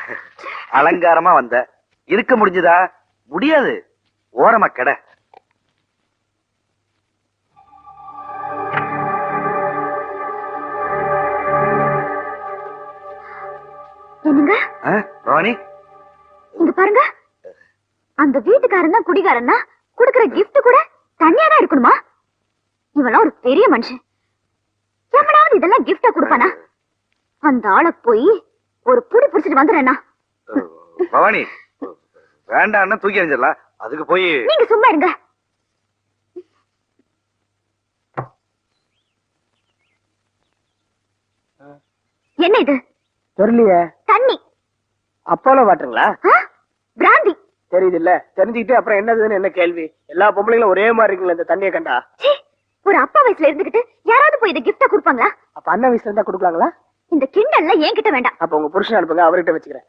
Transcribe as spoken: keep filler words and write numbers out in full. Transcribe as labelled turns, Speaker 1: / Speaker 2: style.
Speaker 1: அலங்காரமா வந்த இருக்க முடிஞ்சதா? முடியாது. ஓரமா கெட.
Speaker 2: என்னங்க
Speaker 1: பவானி,
Speaker 2: இங்க பாருங்க. அந்த வீட்டுக்காரன் தான் குடிகாரன்னா குடுக்கிற கிஃப்ட் கூட தனியா தான் இருக்கணுமா? இவெல்லாம் ஒரு பெரிய மனுஷன். எவனாவது இதெல்லாம் கிஃப்டா கொடுப்பானா? அந்த ஆளை போய் ஒரு புடி புடிச்சிட்டு வந்துடுறேன்னா.
Speaker 1: பவானி வேண்டாம், தூக்கி எறிஞ்சிடலாம். அதுக்கு போய்
Speaker 2: நீங்க சும்மா இருங்க. என்ன இது?
Speaker 3: தெரியலையே.
Speaker 2: தண்ணி.
Speaker 3: அப்போலோ வாட்டருங்களா?
Speaker 2: பிராந்தி.
Speaker 3: தெரியுது இல்ல, தெரிஞ்சுக்கிட்டு அப்புறம் என்னதுன்னு என்ன கேள்வி? எல்லா பொம்பளைங்களும் ஒரே மாதிரி இருக்குங்களா இந்த தண்ணியை கண்டா?
Speaker 2: ஒரு அப்பா வயசுல இருந்துகிட்டு யாராவது போய் இதை கிஃப்டா கொடுப்பாங்களா?
Speaker 3: அப்ப அண்ணன் வயசுல இருந்தா கொடுக்கலாங்களா?
Speaker 2: இந்த கிண்டல்ல என்கிட்ட வேண்டாம்.
Speaker 3: அப்ப உங்க புருஷன் அனுப்புங்க, அவர்கிட்ட வச்சுக்கிறேன்.